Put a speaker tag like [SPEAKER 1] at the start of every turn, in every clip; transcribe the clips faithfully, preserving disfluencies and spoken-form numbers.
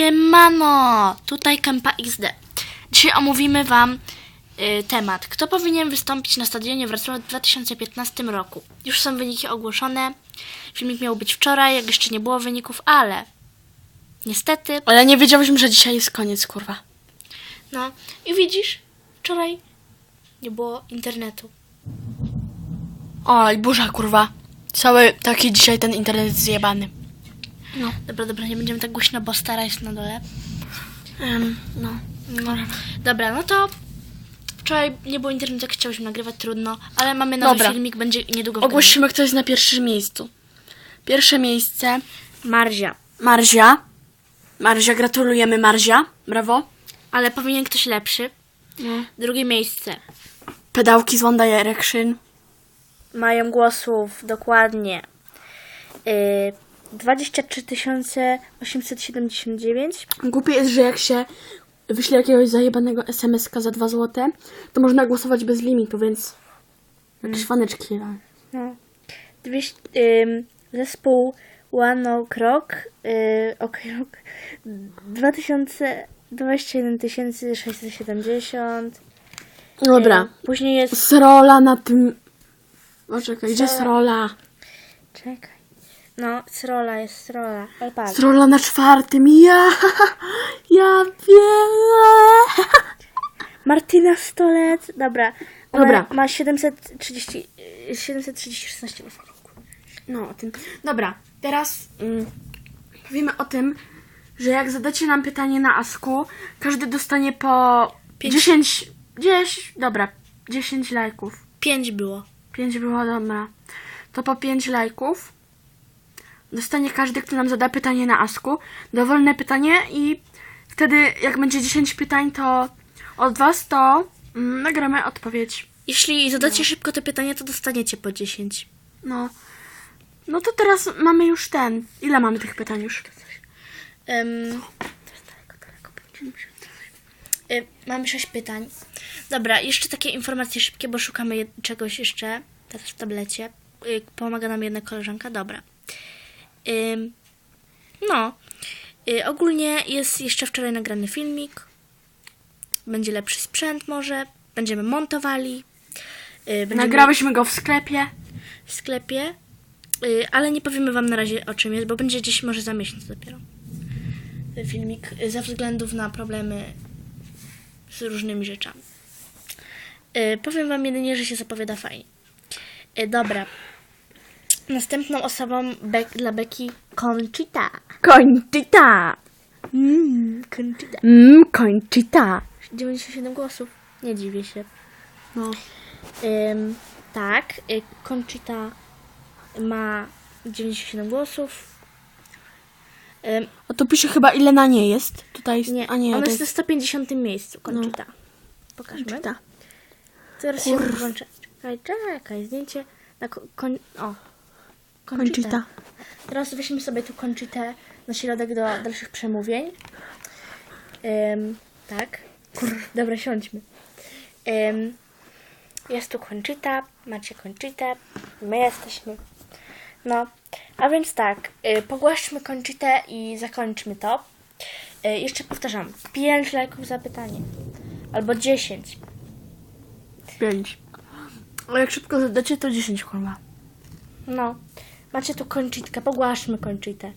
[SPEAKER 1] Mano, tutaj Kempa X D. Dzisiaj omówimy wam y, temat. Kto powinien wystąpić na stadionie Wrocław w dwa tysiące piętnastym roku? Już są wyniki ogłoszone. Filmik miał być wczoraj, jak jeszcze nie było wyników, ale niestety...
[SPEAKER 2] Ale nie wiedziałyśmy, że dzisiaj jest koniec, kurwa.
[SPEAKER 1] No i widzisz, wczoraj nie było internetu.
[SPEAKER 2] Oj, burza, kurwa. Cały taki dzisiaj ten internet jest zjebany.
[SPEAKER 1] No, dobra, dobra, nie będziemy tak głośno, bo stara jest na dole.
[SPEAKER 2] Um, no.
[SPEAKER 1] No. Dobra, no to wczoraj nie było internetu, jak chciałyśmy nagrywać, trudno, ale mamy nowy
[SPEAKER 2] Dobra.
[SPEAKER 1] filmik, będzie niedługo w
[SPEAKER 2] Ogłosimy, kto jest na pierwszym miejscu. Pierwsze miejsce
[SPEAKER 1] Marzia.
[SPEAKER 2] Marzia. Marzia, gratulujemy, Marzia. Brawo.
[SPEAKER 1] Ale powinien ktoś lepszy.
[SPEAKER 2] No.
[SPEAKER 1] Drugie miejsce.
[SPEAKER 2] Pedałki z One Direction.
[SPEAKER 1] Mają głosów dokładnie yy, dwadzieścia trzy tysiące osiemset siedemdziesiąt dziewięć.
[SPEAKER 2] Głupie jest, że jak się wyśle jakiegoś zajebanego es em es ka za dwa złote, to można głosować bez limitu, więc jakieś faneczki.
[SPEAKER 1] No. dwieście, yy, zespół One Ok Rock, yy, ok Rock dwa tysiące dwadzieścia jeden tysięcy sześćset siedemdziesiąt.
[SPEAKER 2] Dobra.
[SPEAKER 1] Yy, później jest...
[SPEAKER 2] Srola na tym... O, czekaj, gdzie Srola?
[SPEAKER 1] Czekaj. No, Srola jest Srola. Ale patrz.
[SPEAKER 2] Srola na czwartym. Ja, ja wiem.
[SPEAKER 1] Martyna Stolec. Dobra. Ona
[SPEAKER 2] Dobra.
[SPEAKER 1] ma siedemset trzydzieści, siedemset trzydzieści szesnaście głosów.
[SPEAKER 2] No, o tym. Dobra, teraz mm, powiemy o tym, że jak zadacie nam pytanie na Asku, każdy dostanie po
[SPEAKER 1] Pięć.
[SPEAKER 2] dziesięć, dziesięć, dobra, dziesięć lajków.
[SPEAKER 1] Pięć było.
[SPEAKER 2] pięć było, dobra. To po pięć lajków dostanie każdy, kto nam zada pytanie na Asku, dowolne pytanie i wtedy jak będzie dziesięć pytań, to od was to mm, nagramy odpowiedź.
[SPEAKER 1] Jeśli zadacie szybko te pytania, to dostaniecie po dziesięć.
[SPEAKER 2] No. No to teraz mamy już ten. Ile mamy tych pytań już?
[SPEAKER 1] Um, y, mamy sześć pytań. Dobra, jeszcze takie informacje szybkie, bo szukamy jed- czegoś jeszcze teraz w tablecie. Y, pomaga nam jedna koleżanka. Dobra. Ym, no. Y, ogólnie jest jeszcze wczoraj nagrany filmik. Będzie lepszy sprzęt może. Będziemy montowali. Y, będziemy
[SPEAKER 2] Nagrałyśmy go w sklepie.
[SPEAKER 1] w sklepie. Y, ale nie powiemy wam na razie, o czym jest, bo będzie gdzieś może za miesiąc dopiero. Ten filmik y, ze względów na problemy z różnymi rzeczami. Y, powiem wam jedynie, że się zapowiada fajnie. Y, dobra. Następną osobą Be- dla Beki Conchita.
[SPEAKER 2] Conchita.
[SPEAKER 1] Mm, Conchita.
[SPEAKER 2] Mmm, Conchita.
[SPEAKER 1] dziewięćdziesiąt siedem głosów. Nie dziwię się.
[SPEAKER 2] No.
[SPEAKER 1] Ym, tak. Y, Conchita ma dziewięćdziesiąt siedem głosów. Ym,
[SPEAKER 2] A to pisze chyba ile na nie jest. Tutaj jest,
[SPEAKER 1] nie,
[SPEAKER 2] a nie,
[SPEAKER 1] ona
[SPEAKER 2] to
[SPEAKER 1] jest na
[SPEAKER 2] jest
[SPEAKER 1] sto pięćdziesiątym miejscu. Conchita. Pokażmy.
[SPEAKER 2] Conchita.
[SPEAKER 1] Teraz się włączę. Czekaj, czekaj, zdjęcie na ko- kon- o. Conchita.
[SPEAKER 2] Conchita.
[SPEAKER 1] Teraz weźmy sobie tu Conchitę na środek do dalszych przemówień. Ym, tak. Dobra, siądźmy. Ym, jest tu Conchita, macie Conchitę, my jesteśmy. No, a więc tak, y, pogłaszczmy Conchitę i zakończmy to. Y, jeszcze powtarzam, pięć lajków za pytanie. Albo dziesięć.
[SPEAKER 2] pięć. A jak szybko zadacie, to dziesięć, kurwa.
[SPEAKER 1] No, macie tu Conchitkę, pogłaszczmy Conchitę.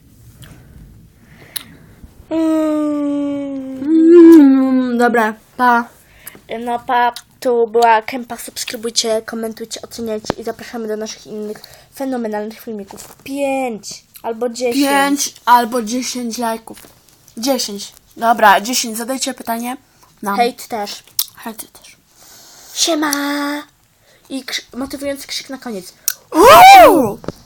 [SPEAKER 1] Mm.
[SPEAKER 2] Mm, dobra, pa.
[SPEAKER 1] No pa, tu była Kempa, subskrybujcie, komentujcie, oceniajcie i zapraszamy do naszych innych fenomenalnych filmików. Pięć albo dziesięć.
[SPEAKER 2] pięć albo dziesięć lajków. dziesięć. Dobra, dziesięć. Zadajcie pytanie. No.
[SPEAKER 1] Hejt też.
[SPEAKER 2] Hejt też.
[SPEAKER 1] Siema! I krzy- motywujący krzyk na koniec.
[SPEAKER 2] Uuu!